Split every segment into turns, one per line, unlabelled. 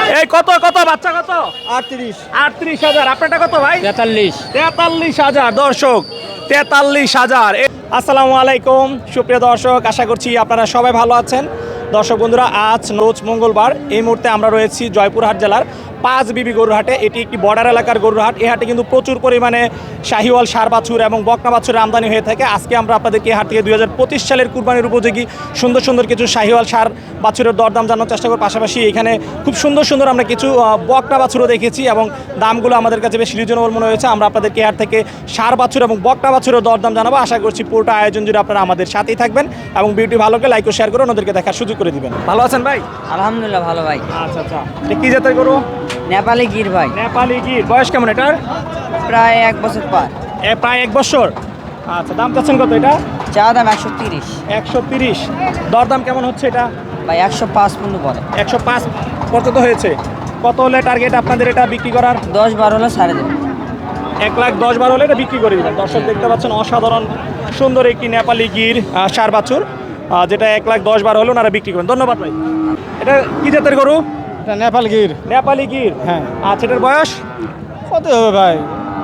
এই কত কত বাচ্চা কত?
38।
38,000। আপনারটা কত ভাই?
43।
43,000 দর্শক, 43,000। আসসালামু আলাইকুম সুপ্রিয় দর্শক, আশা করছি আপনারা সবাই ভালো আছেন। দর্শক বন্ধুরা, আজ রোজ মঙ্গলবার, এই মুহূর্তে আমরা রয়েছি জয়পুরহাট জেলার পাঁচ বিবি গরুর হাটে। এটি একটি বর্ডার এলাকার গরুর হাট। এই হাটে কিন্তু প্রচুর পরিমাণে শাহিওয়াল, ষাঁড় বাছুর এবং বকনা বাছুরের আমদানি হয়ে থাকে। আজকে আমরা আপনাদেরকে এই হাট থেকে 2025 সালের কুরবানির উপযোগী সুন্দর সুন্দর কিছু শাহিওয়াল, ষাঁড় বাছুরের দরদাম জানার চেষ্টা করব। পাশাপাশি এখানে খুব সুন্দর সুন্দর আমরা কিছু বকনা বাছুরও দেখেছি এবং দামগুলো আমাদের কাছে বেশ রিজনেবল মনে হয়েছে। আমরা আপনাদেরকে এই হাট থেকে ষাঁড় বাছুর এবং বকনা বাছুরের দরদাম জানাবো। আশা করছি পুরোটা আয়োজন জুড়ে আপনারা আমাদের সাথেই থাকবেন এবং ভিডিওটি ভালো করে লাইক ও শেয়ার করে ওনাদেরকে দেখার সুযোগ করে দিবেন। ভালো আছেন ভাই?
আলহামদুলিল্লাহ ভালো ভাই।
আচ্ছা আচ্ছা, এটা কি জাতের গরু?
নেপালি গির ভাই।
নেপালি গির। বয়স কেমন এটার?
প্রায় 1 বছর পার।
প্রায় 1 বছর। আচ্ছা, দাম চাচ্ছেন কত এটা?
চা দাম 130।
130। দরদাম কেমন হচ্ছে এটা?
ভাই 105 পর্যন্ত পড়ে।
105 পর্যন্ত হয়েছে। কত হলে টার্গেট আপনাদের এটা বিক্রি করার?
10-12 হলে ছাড়ে দেবে।
1,10,12 হলে এটা বিক্রি করে দিবেন। দর্শক দেখতে পাচ্ছেন অসাধারণ সুন্দর একটি নেপালি গির ষাঁড় বাছুর, যেটা 1,10,12 হলে ওনারা বিক্রি করেন। ধন্যবাদ ভাই। এটা কি জাতের গরু?
এটা নেপাল গির।
নেপালি গির।
হ্যাঁ।
আচ্ছা, এটার বয়স
কত হবে ভাই?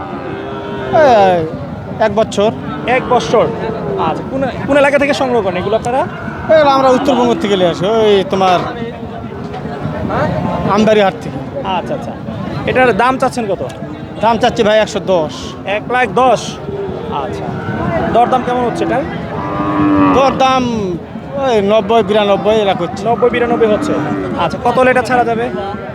1 বছর।
1 বছর। আচ্ছা, কোন এলাকা থেকে সংগ্রহ করেন এগুলো আপনারা?
এগুলো আমরা উত্তরবঙ্গ থেকে নিয়ে আসি, ওই তোমার আমবাড়ি হাট থেকে।
আচ্ছা আচ্ছা, এটার দাম চাচ্ছেন কত?
দাম চাচ্ছি ভাই 110।
1,10,000। আচ্ছা, দরদাম কেমন হচ্ছে এটার?
তোর দাম ওই 90-92 এরকম হচ্ছে।
90-92 হচ্ছে। আচ্ছা, কত হলে এটা ছাড়া যাবে?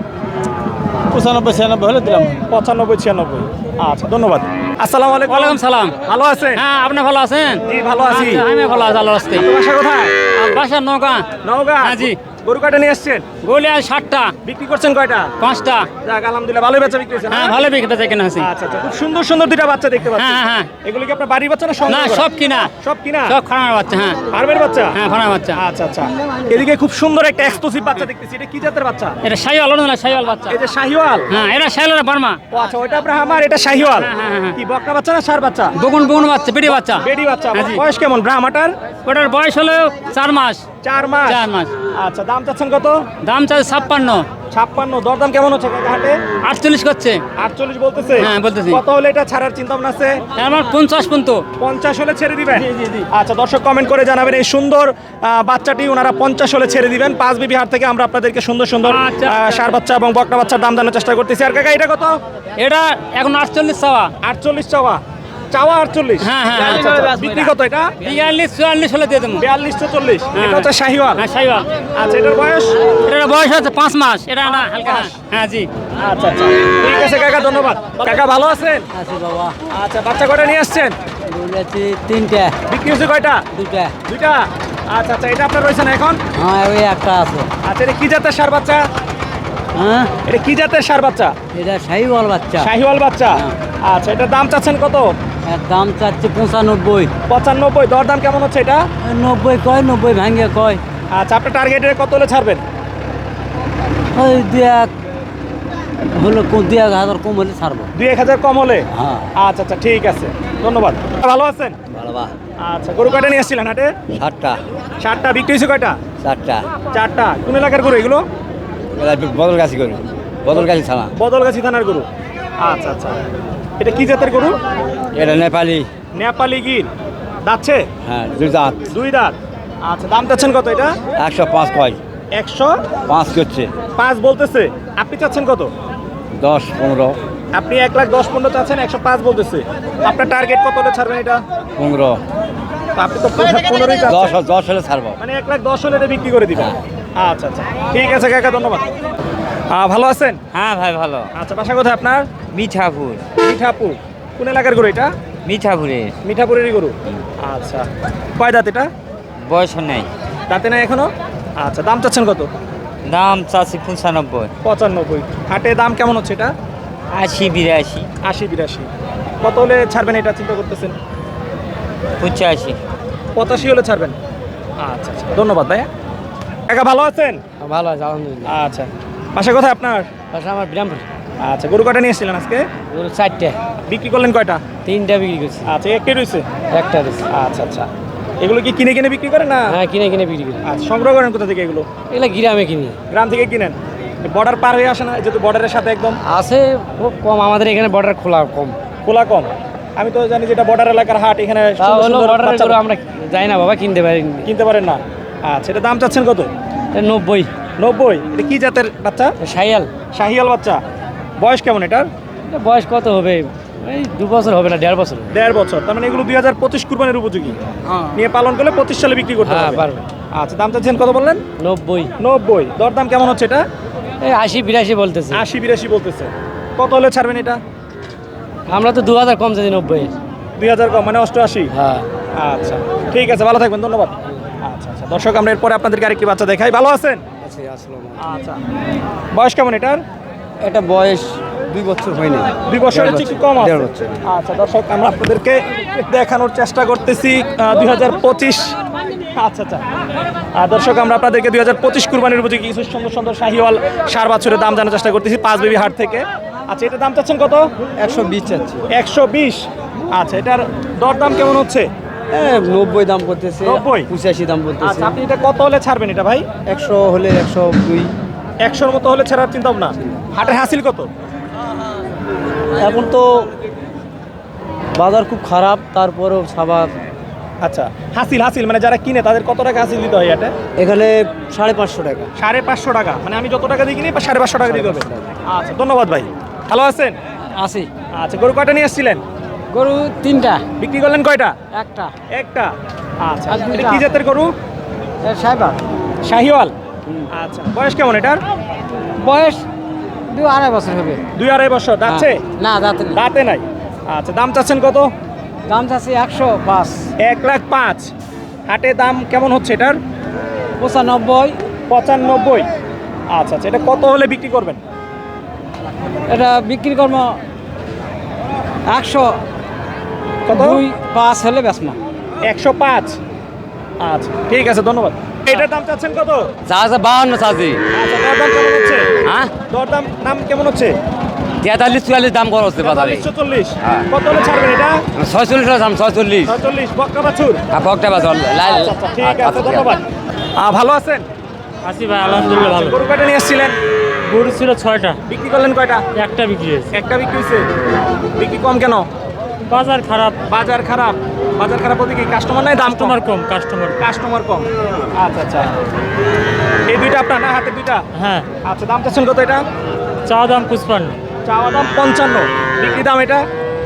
95-96 হলে দিলাম।
95-96। আচ্ছা, ধন্যবাদ। আসসালামু আলাইকুম।
ওয়ালাইকুম সালাম।
ভালো আছেন?
হ্যাঁ, আপনি ভালো আছেন?
জি, ভালো আছি।
আচ্ছা, আমি ভালো আছি আল্লাহর রাস্তায়।
বাসা কোথায়?
বাসার নৌকা।
নওগাঁ।
হ্যাঁ, জি।
গরু কয়টা নিয়ে এসছেন?
বলি আর 60টা,
বিক্রি করছেন কয়টা?
5টা।
যাক, আলহামদুলিল্লাহ, ভালোই বেচা বিক্রি হয়েছে না?
হ্যাঁ, ভালো বিক্রেতা থেকে আছি।
আচ্ছা আচ্ছা, খুব সুন্দর সুন্দর দুইটা বাচ্চা দেখতে পাচ্ছি।
হ্যাঁ, হ্যাঁ।
এগুলো কি আপনার বাড়ির বাচ্চা না
না,
সংগ্রহ করা?
সব কিনা।
সব কিনা?
সব খানার বাচ্চা। হ্যাঁ,
ফার্মের বাচ্চা?
হ্যাঁ, খানার বাচ্চা।
আচ্ছা আচ্ছা, এদিকে খুব সুন্দর একটা এক্সক্লুসিভ বাচ্চা দেখতেছি। এটা কি জাতের বাচ্চা?
এটা শাহিওয়াল, না শাহিওয়াল বাচ্চা।
এই যে শাহিওয়াল।
হ্যাঁ, এটা শাহিওয়াল বার্মা।
ও আচ্ছা, ওইটা আপনার আমার, এটা শাহিওয়াল।
হ্যাঁ, হ্যাঁ, হ্যাঁ।
কি বকনা বাচ্চা না ষাঁড় বাচ্চা?
বগুন বাচ্চা, বেটি বাচ্চা।
বেডি বাচ্চা।
হ্যাঁ, জি।
বয়স কেমন ব্রাহ্মাটার?
ওটার বয়স হলো 4 মাস।
4 মাস।
4 মাস।
আচ্ছা, দাম চাচ্ছেন কত?
দাম চাই 56।
56। দরদাম কেমন হচ্ছে কাকা হাটে?
48 করছে।
48 বলতেছে?
হ্যাঁ, বলতেছি।
কত হলে এটা ছাড়ার চিন্তা ভাবনা আছে?
আমার 50 পর্যন্ত।
50 হলে ছেড়ে দিবেন?
জি, জি, জি।
আচ্ছা, দর্শক কমেন্ট করে জানাবেন এই সুন্দর বাচ্চাটি ওনারা 50 হলে ছেড়ে দিবেন। পাঁচ বিবি হাট থেকে আমরা আপনাদেরকে সুন্দর সুন্দর
আচ্ছা।
ষাঁড় বাচ্চা এবং বকনা বাচ্চার দাম জানার চেষ্টা করতেছি। আর কাকা এটা কত?
এটা এখন 48 চাওয়া।
48 চাওয়া। চাওয়া 48?
হ্যাঁ, হ্যাঁ,
আচ্ছা, আচ্ছা। বিক্রি কত এটা?
42-44 হলে দিয়ে দেবো।
42-40।
হ্যাঁ,
এটা হচ্ছে শাহিওয়াল।
হ্যাঁ, শাহিওয়াল।
আচ্ছা, এটার বয়স?
এটার বয়স হচ্ছে 5 মাস। এটা না হালকা। হ্যাঁ, জি।
আচ্ছা আচ্ছা, ঠিক আছে কাকা, ধন্যবাদ। কাকা ভালো আছেন?
আছে বাবা।
আচ্ছা, বাচ্চা কয়টা নিয়ে আসছেন?
বলেছি 3টা।
বিক্রি হচ্ছে কয়টা?
2টা।
দুইটা। আচ্ছা আচ্ছা, এটা আপনার রয়েছে না এখন?
হ্যাঁ, ওই একটা আছে।
আচ্ছা, এটা কি জাতের ষাঁড় বাচ্চা?
হ্যাঁ,
এটা কি জাতের ষাঁড় বাচ্চা?
এটা শাহিওয়াল বাচ্চা।
শাহিওয়াল বাচ্চা। আচ্ছা, এটার দাম চাচ্ছেন কত?
এর দাম চাচ্ছে 95।
95। দরদাম কেমন হচ্ছে এটা?
90 কয়, 90 ভাঙে কয়।
আচ্ছা, আপনার টার্গেটের কত হলে ছাড়বেন?
ওই 2-1 হলো, 2-1000 কম হলে ছাড়বো।
2-1000 কম হলে?
হ্যাঁ।
আচ্ছা আচ্ছা, ঠিক আছে, ধন্যবাদ। ভালো আছেন?
ভালো বা।
আচ্ছা, গরু কয়টা নিয়ে আসছিলেন হাটে?
7টা।
7টা। বিক্রি হয়েছে কয়টা?
4টা।
4টা। কোন এলাকার গরু এগুলো?
বদলগাছি করি, বদলগাছি থানা।
বদলগাছি থানার গরু। আচ্ছা আচ্ছা, এটা কি জাতের গরু?
এটা নেপালি।
নেপালি গির। দাচ্ছে?
হ্যাঁ, 2 দাঁত।
2 দাঁত। আচ্ছা, দাম চাচ্ছেন কত এটা?
105 কয়।
105
করছে।
বলতেছে। আপনি চাচ্ছেন কত?
10-15।
আপনি 1,10,15 চাচ্ছেন, 105 বলতেছে। আপনার টার্গেট কত হলে ছাড়বেন এটা?
15।
তো আপনি তো 15ই চাচ্ছেন।
10 হলে ছাড়বো।
মানে 1,10,000 হলে এটা বিক্রি করে দিবেন? আচ্ছা আচ্ছা, ঠিক আছে কাকা, ধন্যবাদ। ভালো আছেন?
হ্যাঁ ভাই, ভালো।
আচ্ছা, বাসা কোথায় আপনার?
মিঠাপুর।
মিঠাপুর। কোন এলাকার গরু এটা?
মিঠাপুরে।
মিঠাপুরেরই গরু। আচ্ছা, কয় দাঁত এটা?
বয়স নেই।
দাঁতে নাই এখনো? আচ্ছা, দাম চাচ্ছেন কত?
দাম চাচ্ছি 95।
95। হাটে দাম কেমন হচ্ছে এটা?
80-82।
80-82। কত হলে ছাড়বেন এটা চিন্তা করতেছেন?
85।
85 হলে ছাড়বেন? আচ্ছা আচ্ছা, ধন্যবাদ ভাইয়া। কাকা ভালো আছেন?
ভালো আছে আলহামদুলিল্লাহ।
আচ্ছা, বাসা কোথায় আপনার?
পাশে আমার বিরামপুর।
আচ্ছা, গরু কয়টা নিয়ে এসেছিলেন আজকে?
4টা।
বিক্রি করলেন কয়টা?
3টা বিক্রি করছি।
আচ্ছা, একটাই রয়েছে?
একটা রয়েছে।
আচ্ছা আচ্ছা, এগুলো কি কিনে কিনে বিক্রি করেন না?
হ্যাঁ, কিনে কিনে বিক্রি করি।
আচ্ছা, সংগ্রহ করেন কোথা থেকে এগুলো?
এগুলো গ্রামে কিনি।
গ্রাম থেকে কিনেন? বর্ডার পার হয়ে আসে না যেহেতু বর্ডারের সাথে একদম
আছে খুব কম, আমাদের এখানে বর্ডার খোলা কম।
খোলা কম। আমি তো জানি যেটা বর্ডার এলাকার হাট, এখানে
তা
সুন্দর
হলো
সুন্দর
বর্ডারের
বাচ্চা
গরু আমরা যাই না বাবা, কিনতে পারি
কিনতে পারেন না। আচ্ছা, এটা দাম চাচ্ছেন কত?
90।
90। এটা কি জাতের বাচ্চা?
সাইয়াল।
শাহিয়াল বাচ্চা। বয়স কেমন এটার?
এটা বয়স কত হবে? এই 2 বছর হবে না, 1.5 বছর।
1.5 বছর। তার মানে এগুলো 2025 কুরবানির উপযোগী। নিয়ে পালন করলে 25 সালে বিক্রি করতে
হ্যাঁ
পারবে।
পারবে।
আচ্ছা, দাম চাচ্ছেন কত বললেন?
90।
90। দরদাম কেমন হচ্ছে এটা?
এই 80-82 বলতেছে।
80-82 বলতেছে। কত হলে ছাড়বেন এটা?
আমরা তো 2000 কম চাইছি 90।
2000 কম মানে 88।
হ্যাঁ।
আচ্ছা, ঠিক আছে, ভালো থাকবেন, ধন্যবাদ। আচ্ছা আচ্ছা, দর্শক আমরা এরপরে আপনাদেরকে আরেকটি বাচ্চা দেখাই। ভালো আছেন? আচ্ছা, বয়স কেমন এটার?
এটা বয়স 2 বছর হয়নি।
2 বছরের চেয়ে একটু কম আছে।
1.5 বছর।
আচ্ছা দর্শক, আমরা আপনাদেরকে দেখানোর চেষ্টা করতেছি 2025। আচ্ছা আচ্ছা, দর্শক আমরা আপনাদেরকে 2025 কুরবানির উপযোগী কিছু সুন্দর সুন্দর শাহিওয়াল সার বাছুরের দাম জানার চেষ্টা করতেছি পাঁচ বেবি হাট থেকে। আচ্ছা, এটার দাম চাচ্ছেন কত?
120 চাচ্ছি।
120। আচ্ছা, এটার দরদাম কেমন হচ্ছে?
90 দাম করতেছে।
90?
85 দাম বলতেছে।
আচ্ছা, আপনি এটা কত হলে ছাড়বেন এটা ভাই?
100 হলে 102।
100-র মতো হলে ছাড়ার চিন্তা ভাবনা। হাটের হাসিল কত?
এখন তো বাজার খুব খারাপ, তারপরেও সাবাদ।
আচ্ছা, হাসিল হাসিল মানে যারা কিনে তাদের কত টাকা হাসিল দিতে হয় এটা?
এখানে 550 টাকা।
550 টাকা। মানে আমি যত টাকা দিয়ে কিনি 550 টাকা দিতে হবে। আচ্ছা, ধন্যবাদ ভাই। ভালো আছেন?
আছি।
আচ্ছা, গরু কয়টা নিয়ে এসেছিলেন?
গরু 3টা।
বিক্রি করলেন কয়টা?
একটা।
একটা। আচ্ছা,
আর দুইটা।
এটা কি জাতের গরু?
সাইবার।
শাহিওয়াল। আচ্ছা, বয়স কেমন এটার?
বয়স 2-2.5 বছর হবে।
2-2.5 বছর। দাঁতছে?
না দাঁত নেই।
দাঁতে নাই। আচ্ছা, দাম চাচ্ছেন কত?
দাম চাচ্ছি 105।
1,05,000। হাটে দাম কেমন হচ্ছে এটার?
95।
95। আচ্ছা আচ্ছা, এটা কত হলে বিক্রি করবেন?
এটা বিক্রি কর্ম 100
কত?
2-5 হলে বেসমা।
105। আচ্ছা, ঠিক আছে, ধন্যবাদ। এটার দাম চাচ্ছেন কত?
যা আছে 52 চাচ্ছি।
আচ্ছা, দরদাম কেমন হচ্ছে?
হ্যাঁ,
দরদাম নাম কেমন হচ্ছে?
43-44 দাম করা হচ্ছে বাজারে।
40 কত হলে ছাড়বেন এটা?
46 দাম, 46।
46 বক্কা বাছুর।
পকটা বাজার লাল।
আচ্ছা আচ্ছা, ঠিক আছে, ধন্যবাদ। ভালো আছেন?
আছি ভাই, আলহামদুলিল্লাহ ভালো।
গরু কয়টা নিয়ে এসেছিলেন?
গরু ছিল 6টা,
বিক্রি করলেন কয়টা?
একটা বিক্রি হয়েছে।
একটা বিক্রি হয়েছে। বিক্রি কম কেন?
বাজার খারাপ,
বাজার খারাপ। বাজার খারাপ বলতে কি কাস্টমার নাই, দাম কম?
কাস্টমার কম, কাস্টমার।
কাস্টমার কম। আচ্ছা আচ্ছা, এই দুইটা আপনার না, হাতে দুইটা?
হ্যাঁ,
আচ্ছা, দাম চাচ্ছেন কত এটা?
চা দাম 55,
চাওয়া দাম 55, বিক্রি দাম এটা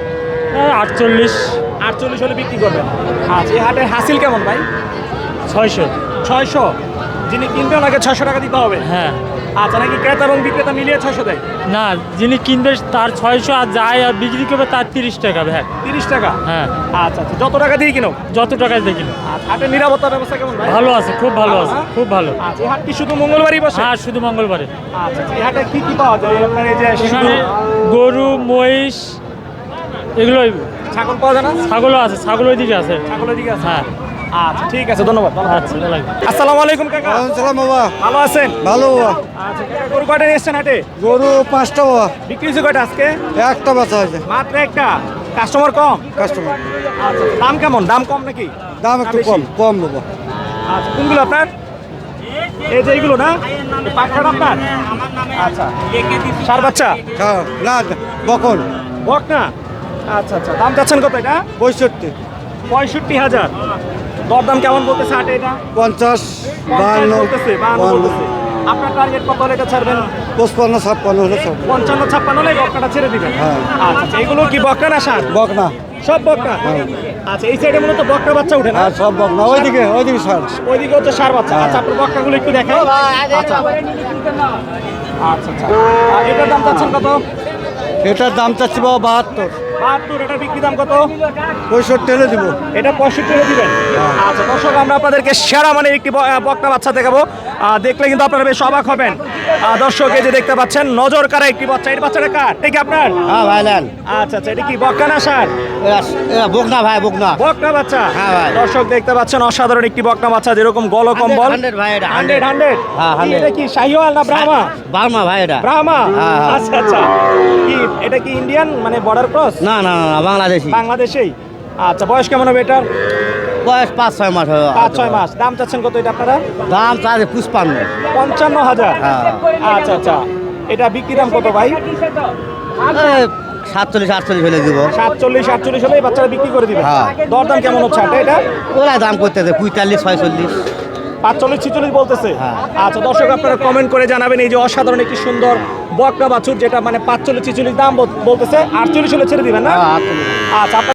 48,
48 হলে বিক্রি করবেন। আচ্ছা, এই হাটের হাসিল কেমন ভাই?
600।
600। যিনি কিনবে ওনাকে 600 টাকা দিতে হবে।
হ্যাঁ,
আচ্ছা, নাকি ক্রেতা এবং বিক্রেতা মিলিয়ে 600 দেয়?
না, যিনি কিনবে তার 600, আর যায় আর বিক্রি করবে তার 30 টাকা ভ্যাট।
30 টাকা।
হ্যাঁ,
আচ্ছা আচ্ছা, যত টাকা দিয়ে কিনো।
যত টাকায় দেখি না।
আচ্ছা, হাটের নিরাপত্তার ব্যবস্থা কেমন ভাই?
ভালো আছে, খুব ভালো আছে,
হ্যাঁ?
খুব ভালো।
আচ্ছা, এই হাট কি শুধু মঙ্গলবারই বসে?
হ্যাঁ, শুধু মঙ্গলবারে।
আচ্ছা, এই হাটে কি কি পাওয়া যায়? আপনার এই যে শুধু
এখানে গরু, মহিষ, এগুলোই।
ছাগল পাওয়া যায় না?
ছাগলও আছে, ছাগল ওইদিকে আছে।
ছাগলের দিকে আছে?
হ্যাঁ,
আচ্ছা, ঠিক আছে, ধন্যবাদ।
আচ্ছা, লাগবে।
আসসালামু আলাইকুম কাকা।
সালাম বাবা।
ভালো আছেন?
ভালো বাবা।
আচ্ছা কাকা, গরু কয়টা নিয়ে এসেছেন হাটে?
গরু 5টা বাবা।
বিক্রি হয়েছে কয়টা আজকে?
একটা বেচা হয়েছে।
মাত্র একটা। কাস্টমার কম?
কাস্টমার
আচ্ছা, দাম কেমন? দাম কম নাকি?
দাম একটু
বেশি?
কম কম বাবা।
আচ্ছা, কোনগুলো আপনার? এই যে এইগুলো না? এই পাকড়াটা আপনার? আচ্ছা, সার বাচ্চা?
হ্যাঁ, না বকন
বক না? আচ্ছা আচ্ছা, দাম চাচ্ছেন কত এটা?
65
65,000। দরদাম কেমন বলতেছে হাটে এটা?
50
52
52
বলতেছে, 52 বলতেছে। আপনার টার্গেট কত হলে এটা ছাড়বেন?
55 56 হলে সব
55-56 হলে বকনাটা ছেড়ে দিবেন।
হ্যাঁ।
আচ্ছা আচ্ছা, এগুলো কি বকনা না ষাঁড়?
বক না।
সব বকনা? আচ্ছা, এই সাইডে মূলত বকনা বাচ্চা উঠে না?
আর সব বক না। ওইদিকে সার।
ওইদিকে হচ্ছে ষাঁড় বাচ্চা। আচ্ছা, আপনার বকনাগুলো একটু দেখাই। আচ্ছা আচ্ছা আচ্ছা, আর এটার দাম চাচ্ছেন কত?
এটার দাম চাচ্ছি বাবা 72।
72। এটার বিক্রি দাম কত?
65 হলে দিব।
এটা 65 হলে দিবেন। আচ্ছা দর্শক, আমরা আপনাদেরকে সেরা মানের একটি বকনা বাচ্চা দেখাবো। দেখলে কিন্তু আপনারা বেশ অবাক হবেন। দর্শক, এই যে দেখতে পাচ্ছেন নজর কারা একটি বাচ্চা। এই বাচ্চাটা কার? এটা কি আপনার?
হ্যাঁ ভাই নেন।
আচ্ছা আচ্ছা, এটা কি বকনা না ষাঁড়?
বক না ভাই, বক না।
বকনা বাচ্চা।
হ্যাঁ ভাই।
দর্শক দেখতে পাচ্ছেন অসাধারণ একটি বকনা বাচ্চা, যেরকম গল কম্বল।
100 ভাই এটা।
100।
হ্যাঁ, 100
এটা কি শাহিওয়াল না ব্রাহ্মা?
বার্মা ভাই এটা।
ব্রাহ্মা?
হ্যাঁ, হ্যাঁ।
আচ্ছা আচ্ছা, কি এটা কি ইন্ডিয়ান মানে বর্ডার ক্রস?
না না না, বাংলাদেশি।
বাংলাদেশেই। আচ্ছা, বয়স কেমন হবে এটার?
বয়স 5-6 মাস হবে।
5-6 মাস। দাম চাচ্ছেন কত এটা আপনারা?
দাম চাচ্ছে 55।
55,000।
হ্যাঁ।
আচ্ছা আচ্ছা, এটা বিক্রি দাম কত ভাই?
47-48 হলে দিব।
47-48 হলে এই বাচ্চারা বিক্রি করে দিবে।
হ্যাঁ।
দরদাম কেমন হচ্ছে এটা?
ওরা দাম করতেছে 45-46।
45-46 বলতেছে।
হ্যাঁ।
আচ্ছা দর্শক, আপনারা কমেন্ট করে জানাবেন এই যে অসাধারণ একটি সুন্দর বকনা বাছুর, যেটা মানে 45-46 দাম বলতেছে, 48 হলে ছেড়ে দিবেন না?
হ্যাঁ, 48।
আচ্ছা।